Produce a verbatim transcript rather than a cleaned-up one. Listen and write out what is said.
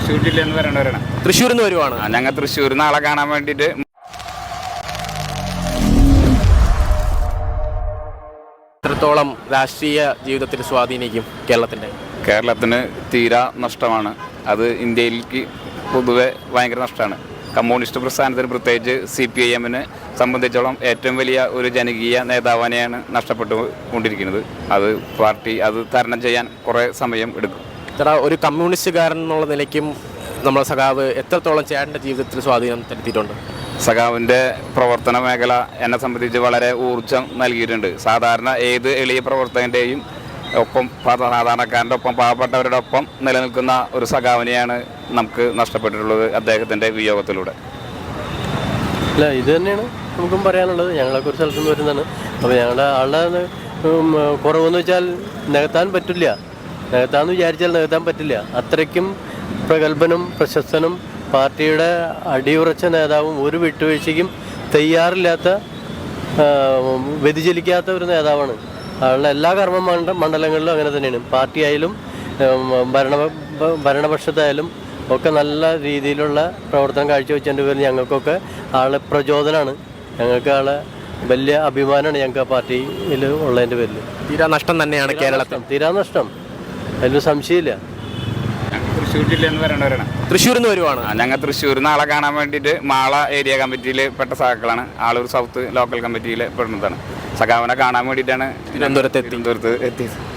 തൃശ്ശൂർ ജില്ല എന്ന് പറയണവരാണ്. തൃശ്ശൂരിൽ നിന്ന് വരുവാണ്. ഞങ്ങൾ തൃശ്ശൂർ നാളെ കാണാൻ വേണ്ടിയിട്ട്. എത്രത്തോളം രാഷ്ട്രീയ ജീവിതത്തിൽ സ്വാധീനിക്കും കേരളത്തിൻ്റെ? കേരളത്തിന് തീരാ നഷ്ടമാണ്. അത് ഇന്ത്യയിലേക്ക് പൊതുവെ ഭയങ്കര നഷ്ടമാണ്. കമ്മ്യൂണിസ്റ്റ് പ്രസ്ഥാനത്തിന്, പ്രത്യേകിച്ച് സി പി ഐ എമ്മിനെ സംബന്ധിച്ചോളം ഏറ്റവും വലിയ ഒരു ജനകീയ നേതാവിനെയാണ് നഷ്ടപ്പെട്ടു കൊണ്ടിരിക്കുന്നത്. അത് പാർട്ടി അത് തരണം ചെയ്യാൻ കുറേ സമയം എടുക്കും. ചേട്ടാ, ഒരു കമ്മ്യൂണിസ്റ്റുകാരൻ എന്നുള്ള നിലയ്ക്കും നമ്മുടെ സഖാവ് എത്രത്തോളം ചേട്ടൻ്റെ ജീവിതത്തിൽ സ്വാധീനം ചെലുത്തിയിട്ടുണ്ട്? സഖാവിൻ്റെ പ്രവർത്തന മേഖല എന്നെ സംബന്ധിച്ച് വളരെ ഊർജം നൽകിയിട്ടുണ്ട്. സാധാരണ ഏത് എളിയ പ്രവർത്തകൻ്റെയും ഒപ്പം, സാധാരണക്കാരൻ്റെ ഒപ്പം, പാവപ്പെട്ടവരുടെ ഒപ്പം നിലനിൽക്കുന്ന ഒരു സഖാവിനെയാണ് നമുക്ക് നഷ്ടപ്പെട്ടിട്ടുള്ളത് അദ്ദേഹത്തിൻ്റെ വിയോഗത്തിലൂടെ. അല്ല, ഇത് തന്നെയാണ് നമുക്കും പറയാനുള്ളത്. ഞങ്ങളൊക്കെ ഒരു സ്ഥലത്തു നിന്ന് വരുന്നതാണ്. അപ്പോൾ ഞങ്ങളുടെ ആളുടെ കുറവെന്ന് വെച്ചാൽ നികത്താൻ പറ്റില്ല. നികത്താന്ന് വിചാരിച്ചാൽ നികത്താൻ പറ്റില്ല. അത്രയ്ക്കും പ്രഗത്ഭനും പ്രശസ്തനും പാർട്ടിയുടെ അടിയുറച്ച നേതാവും ഒരു വിട്ടുവീഴ്ചയ്ക്കും തയ്യാറില്ലാത്ത, വ്യതിചലിക്കാത്ത ഒരു നേതാവാണ്. ആളുടെ എല്ലാ കർമ്മ മണ്ഡ മണ്ഡലങ്ങളിലും അങ്ങനെ തന്നെയാണ്. പാർട്ടിയായാലും ഭരണ ഭരണപക്ഷത്തായാലും ഒക്കെ നല്ല രീതിയിലുള്ള പ്രവർത്തനം കാഴ്ചവെച്ചതിൻ്റെ പേരിൽ ഞങ്ങൾക്കൊക്കെ ആളെ പ്രചോദനമാണ്. ഞങ്ങൾക്ക് ആളെ വലിയ അഭിമാനമാണ് ഞങ്ങൾക്ക് ആ പാർട്ടിയിൽ ഉള്ളതിൻ്റെ പേരിൽ. തീരാ നഷ്ടം തന്നെയാണ് കേരളത്തിൽ. തീരാ നഷ്ടം, അതിലൊരു സംശയമില്ല. തൃശ്ശൂർ ജില്ല എന്ന് പറയണവരാണ്. തൃശ്ശൂരിൽ നിന്ന് വരുവാണ്. ഞങ്ങൾ തൃശ്ശൂർ നാളെ കാണാൻ വേണ്ടിയിട്ട് മാള ഏരിയ കമ്മിറ്റിയിൽ പെട്ട സഖാക്കളാണ്. ആളൂർ സൗത്ത് ലോക്കൽ കമ്മിറ്റിയിൽ പെടുന്നതാണ്. സഖാവിനെ കാണാൻ വേണ്ടിയിട്ടാണ് തിരുവനന്തപുരത്ത് തിരുവനന്തപുരത്ത് എത്തിയത്.